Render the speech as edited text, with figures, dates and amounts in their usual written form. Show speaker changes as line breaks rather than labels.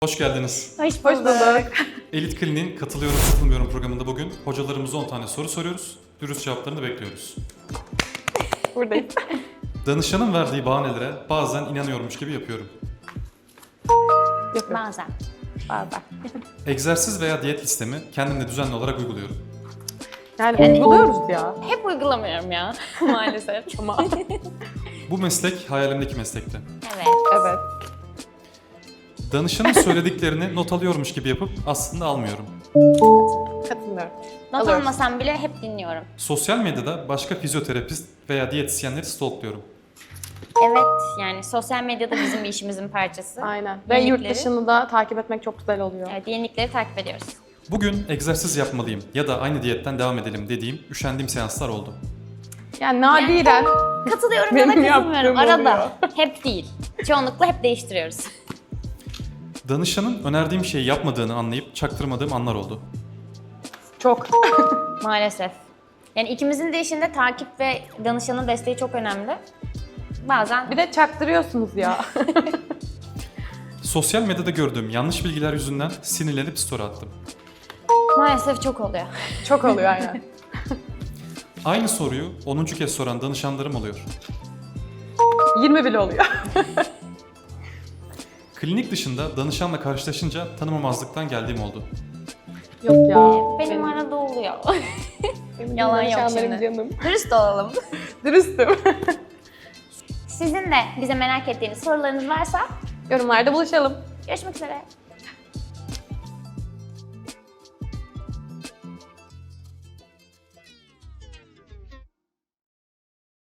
Hoş geldiniz.
Hoş bulduk.
Elit Klinik'in Katılıyorum Katılmıyorum programında bugün hocalarımıza 10 tane soru soruyoruz. Dürüst cevaplarını bekliyoruz.
Buradayım.
Danışanın verdiği bahanelere bazen inanıyormuş gibi yapıyorum.
Yapıyorum.
Bazen.
Bazen.
Egzersiz veya diyet listemi kendimde düzenli olarak uyguluyorum.
Yani uyguluyoruz ya.
Hep uygulamıyorum ya maalesef.
Ama
Bu meslek hayalimdeki meslekti.
Evet.
evet.
Danışanın söylediklerini not alıyormuş gibi yapıp aslında almıyorum.
Katılmıyorum.
Not
Alıyoruz.
almasam bile hep dinliyorum.
Sosyal medyada başka fizyoterapist veya diyetisyenleri stalkluyorum.
Evet, yani sosyal medyada bizim bir işimizin parçası.
Aynen. Ve yurt
Yenilikleri.
dışını da takip etmek çok güzel oluyor.
Evet, yenilikleri takip ediyoruz.
Bugün egzersiz yapmalıyım ya da aynı diyetten devam edelim dediğim, üşendiğim seanslar oldu.
Yani nadiren
Katılıyorum ya da
Benim
katılmıyorum.
yaptığım
Arada. Hep değil. Çoğunlukla hep değiştiriyoruz.
Danışanın önerdiğim şeyi yapmadığını anlayıp çaktırmadığım anlar oldu.
çok.
Maalesef. Yani ikimizin de işinde takip ve danışanın desteği çok önemli. Bazen
Bir de çaktırıyorsunuz ya.
Sosyal medyada gördüğüm yanlış bilgiler yüzünden sinirlenip story attım.
maalesef çok oluyor.
Çok oluyor aynen.
Aynı soruyu 10. kez soran danışanlarım oluyor.
20 bile oluyor.
Klinik dışında danışanla karşılaşınca tanımamazlıktan geldiğim oldu.
Yok ya.
Benim arada oluyor.
Benim
yalan yok
danışanlarım
şimdi.
canım.
Dürüst olalım.
Dürüstüm.
Sizin de bize merak ettiğiniz sorularınız varsa
Yorumlarda buluşalım.
görüşmek üzere.